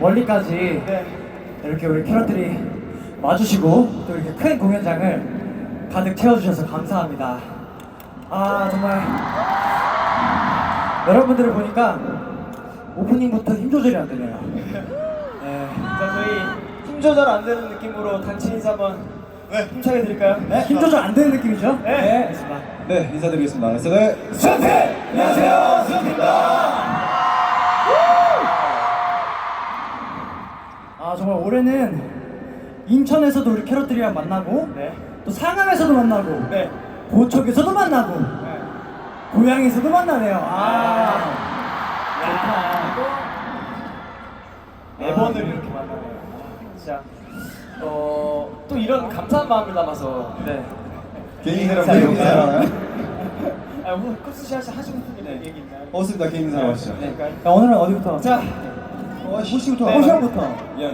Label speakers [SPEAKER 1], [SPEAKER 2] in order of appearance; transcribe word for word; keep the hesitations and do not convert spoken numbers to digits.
[SPEAKER 1] 멀리까지
[SPEAKER 2] 네.
[SPEAKER 1] 이렇게 우리 캐럿들이 와주시고 또 이렇게 큰 공연장을 가득 채워주셔서 감사합니다. 아 정말 여러분들을 보니까 오프닝부터 힘 조절이 안 되네요. 네.
[SPEAKER 2] 자, 저희 힘 조절 안 되는 느낌으로 단체 인사 한번 네. 힘차게 드릴까요?
[SPEAKER 1] 네, 힘 조절 안 되는 느낌이죠?
[SPEAKER 2] 네.
[SPEAKER 1] 네, 알겠습니다.
[SPEAKER 3] 네, 인사드리겠습니다. 레슨을
[SPEAKER 2] 수현태! 안녕하세요, 수현태입니다.
[SPEAKER 1] 아 정말 올해는 인천에서도 우리 캐럿들이랑 만나고
[SPEAKER 2] 네.
[SPEAKER 1] 또 상암에서도 만나고
[SPEAKER 2] 네.
[SPEAKER 1] 고척에서도 만나고
[SPEAKER 2] 네.
[SPEAKER 1] 고향에서도 만나네요. 아
[SPEAKER 2] 야, 네 번을 이렇게 만나네요. 진짜 어, 또 이런 감사한 마음을 담아서 네.
[SPEAKER 3] 개인 인사랑
[SPEAKER 2] 자,
[SPEAKER 3] 개인
[SPEAKER 2] 여기서.
[SPEAKER 3] 인사랑
[SPEAKER 2] 아, 오늘 컵스샷 하시고 싶은 네. 얘기 있나요?
[SPEAKER 3] 없습니다. 개인 인사랑 하시죠.
[SPEAKER 2] 네.
[SPEAKER 1] 야, 오늘은 어디부터?
[SPEAKER 2] 자,
[SPEAKER 3] 어, 호시부터
[SPEAKER 1] 호시형부터.